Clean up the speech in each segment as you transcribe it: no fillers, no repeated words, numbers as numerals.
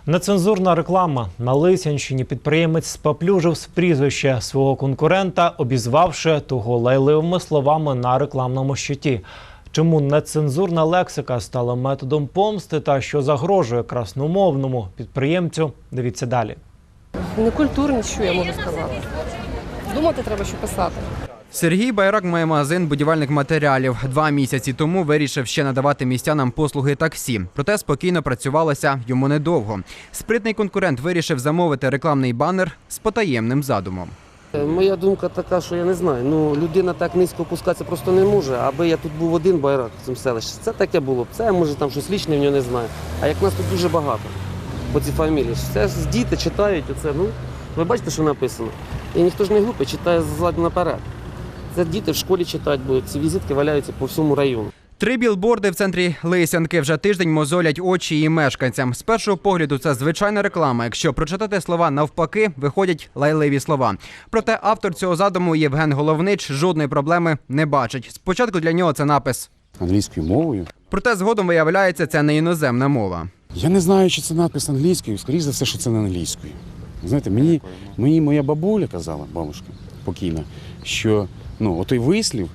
Нецензурна реклама. На Лисянщині підприємець споплюжив прізвище свого конкурента, обізвавши того лайливими словами на рекламному щиті. Чому нецензурна лексика стала методом помсти та що загрожує красномовному підприємцю, дивіться далі. Некультурні, що я можу сказати. Думати треба, що писати. Сергій Байрак має магазин будівельних матеріалів. 2 місяці тому вирішив ще надавати містянам послуги таксі. Проте спокійно працювалося йому недовго. Спритний конкурент вирішив замовити рекламний банер з потаємним задумом. Моя думка така, що я не знаю, людина так низько опускатися просто не може. Аби я тут був один Байрак в цьому селищі, це таке було б. Це, може, там щось лічне в нього не знаю. А як нас тут дуже багато по цій фамілії. Це ж діти читають оце, ви бачите, що написано. І ніхто ж не глупий, читає ззаду наперед. Це діти в школі читають будуть, ці візитки валяються по всьому району. 3 білборди в центрі Лисянки вже тиждень мозолять очі її мешканцям. З першого погляду це звичайна реклама. Якщо прочитати слова навпаки, виходять лайливі слова. Проте автор цього задуму Євген Головнич жодної проблеми не бачить. Спочатку для нього це напис англійською мовою. Проте згодом виявляється, це не іноземна мова. Я не знаю, чи це напис англійською, скоріше за все, що це не англійською. Знаєте, мені моя бабуля казала, бабушка покійна, що отой вислів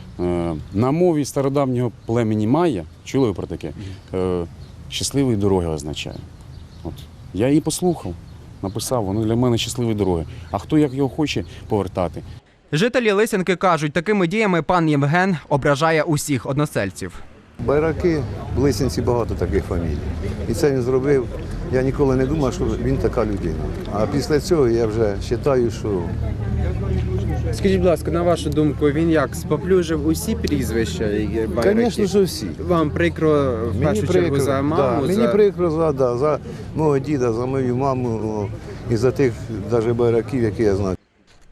на мові стародавнього племені Майя, чули ви про таке, щасливої дороги означає. От. Я її послухав, написав, воно для мене щасливі дороги. А хто як його хоче повертати? Жителі Лисянки кажуть, такими діями пан Євген ображає усіх односельців. Байраки, в Лисянці багато таких фамілій. І це він зробив. Я ніколи не думав, що він така людина. А після цього я вже вважаю, що... Скажіть, будь ласка, на вашу думку, він як, споплюжив усі прізвища байраків? Звісно, що всі. Вам прикро в першу чергу за маму? Мені прикро за мого діда, за мою маму і за тих навіть байраків, які я знаю.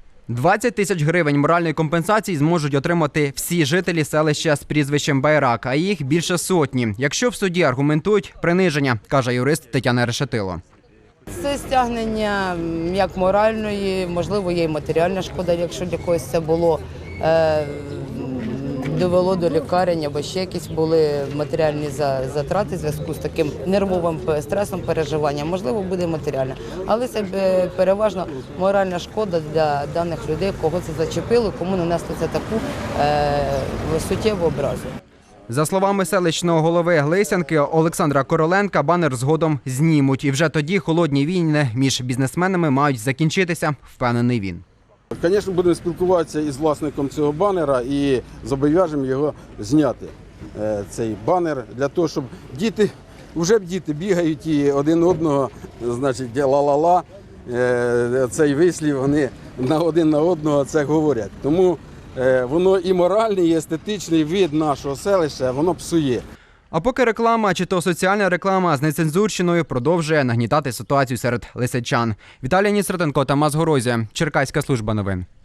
20 тисяч гривень моральної компенсації зможуть отримати всі жителі селища з прізвищем Байрак, а їх більше сотні. Якщо в суді аргументують приниження, каже юрист Тетяна Решетило. Це стягнення як моральної, можливо, є і матеріальна шкода, якщо для когось це було, довело до лікарень або ще якісь були матеріальні затрати в зв'язку з таким нервовим стресом, переживанням. Можливо, буде матеріальна. Але це переважно моральна шкода для даних людей, кого це зачепило, кому нанесли це таку суттєву образу. За словами селищного голови Лисянки Олександра Короленка, банер згодом знімуть. І вже тоді холодні війни між бізнесменами мають закінчитися, впевнений він. Звісно, будемо спілкуватися із власником цього банера і зобов'яжемо його зняти, цей банер, для того, щоб діти бігають і один одного, значить, ла-ла-ла, цей вислів, вони один на одного це говорять. Тому воно і моральний, і естетичний вид нашого селища, воно псує. А поки реклама, чи то соціальна реклама з нецензурщиною продовжує нагнітати ситуацію серед лисичан. Віталій Нісратенко, Тамас Горозія, Черкаська служба новин.